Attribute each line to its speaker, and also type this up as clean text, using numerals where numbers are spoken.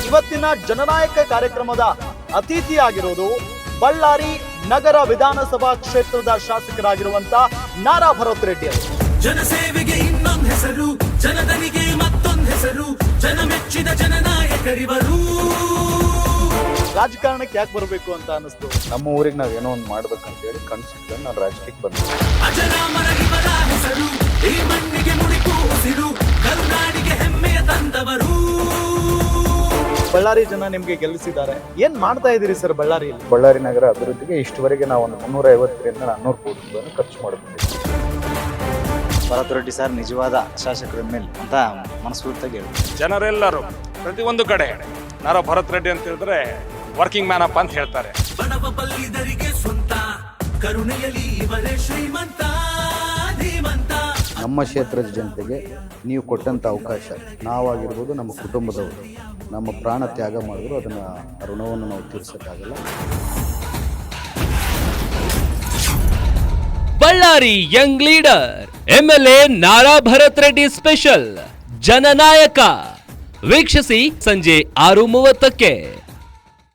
Speaker 1: ಇವತ್ತಿನ ಜನನಾಯಕ ಕಾರ್ಯಕ್ರಮದ ಅತಿಥಿಯಾಗಿರೋದು ಬಳ್ಳಾರಿ ನಗರ ವಿಧಾನಸಭಾ ಕ್ಷೇತ್ರದ ಶಾಸಕರಾಗಿರುವಂತ ನಾರಾ ಭರತ್ ರೆಡ್ಡಿ ಅವರು.
Speaker 2: ಜನಸೇವೆಗೆ ಇನ್ನೊಂದು ಹೆಸರು, ಜನದನಿಗೆ ಮತ್ತೊಂದು ಹೆಸರು, ಜನಮೆಚ್ಚಿದ ಜನನಾಯಕರಿವರು.
Speaker 1: ರಾಜಕಾರಣಕ್ಕೆ ಯಾಕೆ ಬರಬೇಕು ಅಂತ ಅನಿಸ್ತು?
Speaker 3: ನಮ್ಮ ಊರಿಗೆ ನಾವ್ ಏನೋ ಒಂದು ಮಾಡ್ಬೇಕಂತ ಹೇಳಿ ಕನ್ಸಿಟ್ಕೊಂಡು ನಾನು ರಾಜಕೀಯಕ್ಕೆ ಬಂದೆ.
Speaker 2: ಅಜರಾಮರ ಇವರ ಹೆಸರು, ಈ ಮಣ್ಣಿಗೆ ಮುಡಿಪು ಉಸಿರು, ಕರುನಾಡಿಗೆ ಹೆಮ್ಮೆಯ ತಂದವರು.
Speaker 1: ಬಳ್ಳಾರಿ ಜನ ನಿಮ್ಗೆ ಗೆಲ್ಲಿಸಿದ್ದಾರೆ. ಏನ್ ಮಾಡ್ತಾ ಇದೀರಿ ಸರ್ ಬಳ್ಳಾರಿಯಲ್ಲಿ?
Speaker 3: ಬಳ್ಳಾರಿ ನಗರ ಅಭಿವೃದ್ಧಿಗೆ ಇಷ್ಟುವರೆಗೆ ನಾವು ಒಂದು 350ರಿಂದ 400 ಕೋಟಿ ರೂಪಾಯಿ ಖರ್ಚು ಮಾಡಿಕೊಂಡಿದ್ದೀವಿ.
Speaker 4: ಭರತ್ ರೆಡ್ಡಿ ಸರ್ ನಿಜವಾದ ಶಾಸಕರ ಮೇಲೆ ಅಂತ ಮನಸ್ಫೂರ್ತಿಯಾಗಿ ಹೇಳ್ತಾರೆ.
Speaker 5: ಜನರೆಲ್ಲರೂ ಪ್ರತಿಯೊಂದು ಕಡೆ ನಾರಾ ಭರತ್ ರೆಡ್ಡಿ ಅಂತ ಹೇಳಿದ್ರೆ ವರ್ಕಿಂಗ್ ಮ್ಯಾನ್ ಅಪ್ ಅಂತ ಹೇಳ್ತಾರೆ.
Speaker 2: ಬಡವ ಬಲ್ಲಿದರಿಗೆ ಸ್ವಂತ, ಕರುಣೆಯಲ್ಲಿ ಇವರೇ ಶ್ರೀಮಂತ ಧೀಮಂತ.
Speaker 3: ನಮ್ಮ ಕ್ಷೇತ್ರದ ಜನತೆಗೆ ನೀವು ಕೊಟ್ಟಂತ ಅವಕಾಶ, ನಾವಾಗಿರ್ಬೋದು, ನಮ್ಮ ಕುಟುಂಬದವರು ನಮ್ಮ ಪ್ರಾಣ ತ್ಯಾಗ ಮಾಡಿದ್ರು ಅದನ್ನ ಋಣವನ್ನು ನಾವು ತೀರ್ಸಕ್ಕಾಗಲ್ಲ.
Speaker 6: Ballari young leader MLA Nara Bharat Reddy special ಜನನಾಯಕ ವೀಕ್ಷಿಸಿ ಸಂಜೆ 6:30ಕ್ಕೆ.